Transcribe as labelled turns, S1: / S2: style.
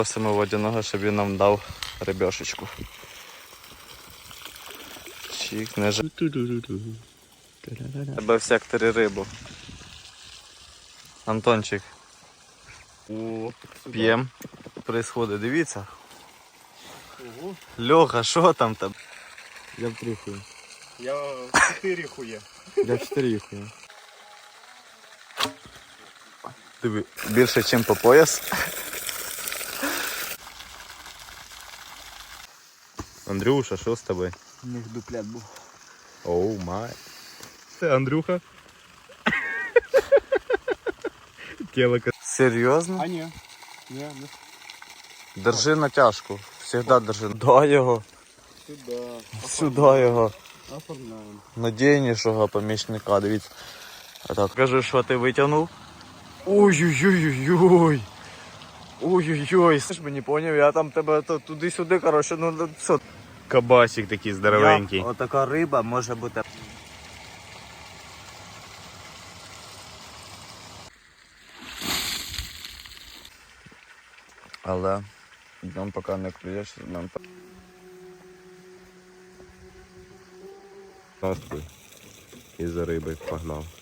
S1: Просимо водяного, щоб він нам дав рибешечку. Чик, не жаль. Тебе в секторі рибу. Антончик. П'єм. Происходить, дивіться. Льоха, що там там?
S2: Я в 3 хуя.
S3: Я в 4 хуя.
S2: Я в 4 хуя.
S1: Диви, більше, ніж по пояс. Андрюша, що з тобою?
S2: У них дуплет був.
S1: Оу май.
S3: Це Андрюха. Келика.
S1: Серйозно?
S2: А ні. Ні, не
S1: Держи натяжку. Всегда держи. Дай його.
S2: сюди.
S1: Сюди його.
S2: Оформляємо.
S1: Надійнішого помічника, дивіться. А так, кажи, що ти витягнув. Ой-ой-ой-ой-ой. Ой-ой-ой. Ти ж мені поняв, я там тебе туди-сюди, коротше, ну все.
S3: Кабасик такий здоровенький.
S1: Отака риба може бути. Але нам поки не клюєш, нам
S3: І за риби погнав.